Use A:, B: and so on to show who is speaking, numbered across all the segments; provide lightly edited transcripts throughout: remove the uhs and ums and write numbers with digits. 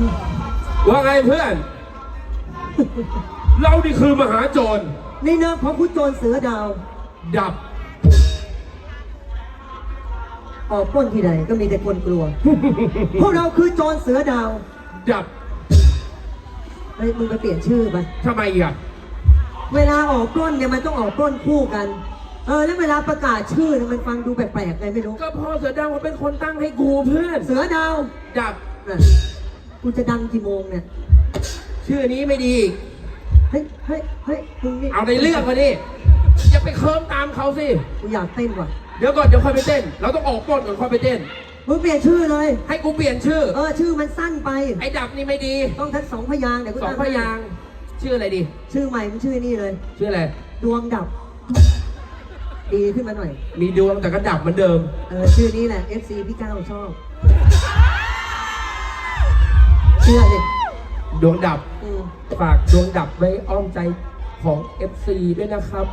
A: ว่าไงเพื่อน เรานี่คือมหาโจร
B: ในนามของคุณโจรเสือดาว
A: ดับ
B: ออกปล้นที่ใดก็มีแต่คนกลัว พวกเราคือโจรเสือดาว
A: ดับ
B: เฮ้ยมึงไปเปลี่ยนชื่อไป
A: ทำไมอ่ะ
B: เวลาออกปล้นเนี่ยมันต้องออกปล้นคู่กัน แล้วเวลาประกาศชื่อเนี่ยมันฟังดูแปลกๆไงไม่รู้
A: ก็พ่อเสือดาวเขาเป็นคนตั้งให้กูเพื่อน
B: เสือดาว
A: ดับ
B: น่ะกูจะดังกี่โมงเนี่ย
A: ชื่อนี้ไม่ดีอีก
B: เฮ้ยมึงนี่
A: เอาในเรื่องมาดิอย่าไปเคิร์มตามเขาสิ
B: กูอยากเต้นว่ะ
A: เดี๋ยวก่อนเดี๋ยวค่อยไปเต้น เราต้องออกปล้นก่อนค่อยไปเต้น
B: มึงเปลี่ยนชื่อเลย
A: ให้กูเปลี่ยนชื่อ
B: ชื่อมันสั้นไป
A: ไอ้ดับนี่ไม่ดี
B: ต้องทั้งสองพยางค์เดี๋ยวกู
A: สอง
B: ตั้ง
A: พยางค์ชื่ออะไรดี
B: ชื่อใหม่มันชื่อนี่เลย
A: ชื่ออะไร
B: ดวงดับ ดีขึ้นมาหน่อย
A: มีดวงแต่ก็ดับเหมือนเดิม
B: ชื่อนี้แหละ FC พี่ก้าวชอบ เชื่อดิ
A: ดวงดับ ฝากดวงดับไว้อ้อมใจของ FC ด้วยนะครับ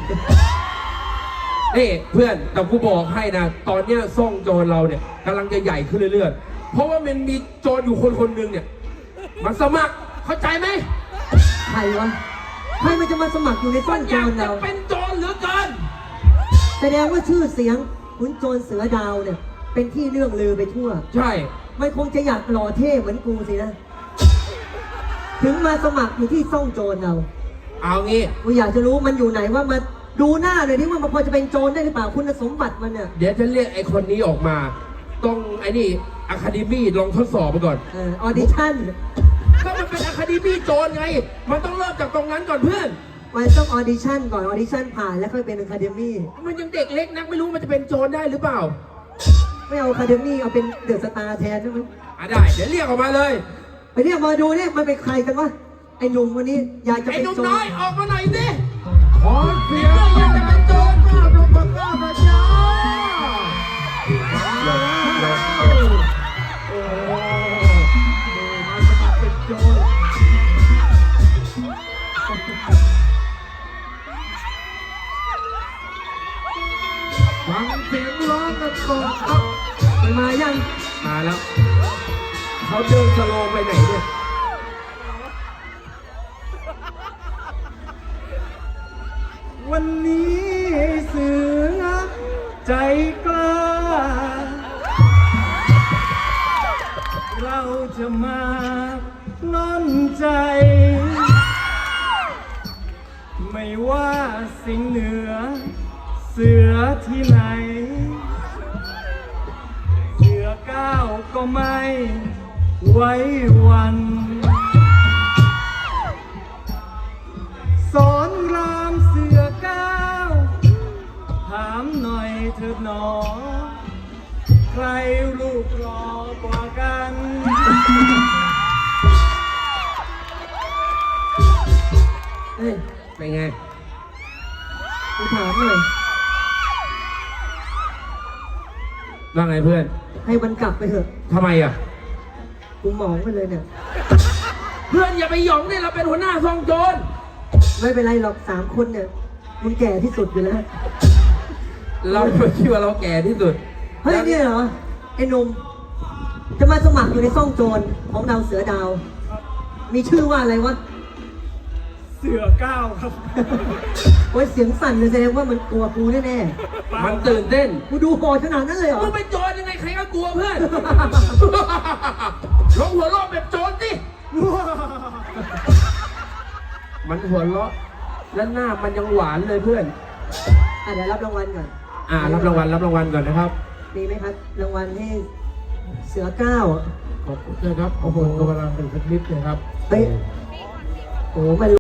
A: นี่เพื่อนแต่กูบอกให้นะ ตอนเนี้ยซ่องโจรเราเนี่ยกำลังจะใหญ่ขึ้นเรื่อยๆ เพราะว่ามันมีโจรอยู่คนหนึ่งเนี่ยมันสมัครเข้าใจไหม
B: ใครวะ ใครมันจะมาสมัครอยู่ในซ่องโจรเรา
A: มันอยากจะเป็นโจรเหลือเกิน
B: แสดงว่าชื่อเสียงขุนโจรเสือดาวเนี่ย เป็นที่เรื่องลือไปทั่ว
A: ใช่
B: มันคงจะอยากหล่อเท่เหมือนกูสินะ ถึงมาสมัครอยู่ที่ซ่องโจรเรา
A: เอางี้
B: กูอยากจะรู้มันอยู่ไหนว่ามาดูหน้าเลยที่ว่ามันพอจะเป็นโจรได้หรือเปล่าคุณสมบัติมันเนี่ย
A: เดี๋ยวจะเรียกไอ้คนนี้ออกมา ต้องไอ้นี่อะคาเดมี่ลองทดสอบไปก่อน
B: ออดิชั่น
A: ก็มันเป็นอะคาเดมี่โจรไง มันต้องเริ่มจากตรงนั้นก่อนเพื่อน
B: มันต้องออดิชั่นก่อนออดิชั่นผ่านแล้วค่อยเป็นอะคาเดมี่
A: มันยังเด็กเล็กนักไม่รู้มันจะเป็นโจรได้หรือเปล่า
B: ไม่เอาอะคาเดมี่เอาเป็นเดอะสตาร์แทนได้ไหม
A: ได้เดี๋ยวเรียกออกมาเลย
B: ไปเรียกมาดูเนี่ยมันเป็นใครกันวะไอ้หนุ่มวันนี้อยากจะ
A: ไอ้
B: เป็น
A: หนุ่ม
B: โจร
A: น้อยออกมาหน่อยสิ
C: ขอเสียงอยากจะเป็นโจรข้าวดมข้าวมาจ้าโอ้มาสมัครเป็นโจรฟังเสียงร้องกันก่อนครับ
B: มันมายัง
A: มาแล้วเขาเดินสโลว์ไปไหนเนี่ย
C: วันนี้เสือใจกล้า เราจะมาล้นใจ ไม่ว่าสิ่งเหนือเสือที่ไหน เสือก้าวก็ไม่ไว้วัน สอนรามเสือก้าวถามหน่อยเถิดหนอ ใครรูปรอกว่ากัน
B: เอ้ย
A: เป็นไง
B: กูถามหน่อย
A: ว่าไงเพื่อน
B: ให้มันกลับไปเถอะ
A: ทำไมอ่ะ
B: กูหมองไปเลยเนี่ย
A: เพื่อนอย่าไปหยองเนี่ยเราเป็นหัวหน้าซ่องโจร
B: ไม่เป็นไรหรอก3 คนเนี่ยมึงแก่ที่สุดอยู่แล้ว
A: เราไม่คิดว่าเราแก่ที่สุด
B: เฮ้ยเนี่ยเหรอไอ้หนุ่มจะมาสมัครอยู่ในซ่องโจรของเราเสือดาว มีชื่อว่าอะไรวะ
C: เสือก้าวครับ
B: โอ้ยเสียงสั่นเลยแสดงว่ามันกลัวกูแน่
A: มันตื่นเต้น
B: ๆกูดูโหดขนาดนั้นเลยเหรอ
A: มึงเป็นโจรยังไงใครก็กลัวเพื่อน ลองหัวเราะแบบโจรสิมันหัวเราะแล้วหน้ามันยังหวานเลยเพื่อน
B: เดี๋ยวรับรางวัลก่อน
A: รับรางวัลก่อนนะครับ
B: มีไหมครับรางวัลให้เสือก้าว
A: ขอบคุณนะครับ โอ้โหกำลังเป็นสักนิดนะครับ
B: เฮ้ยโอ้มัน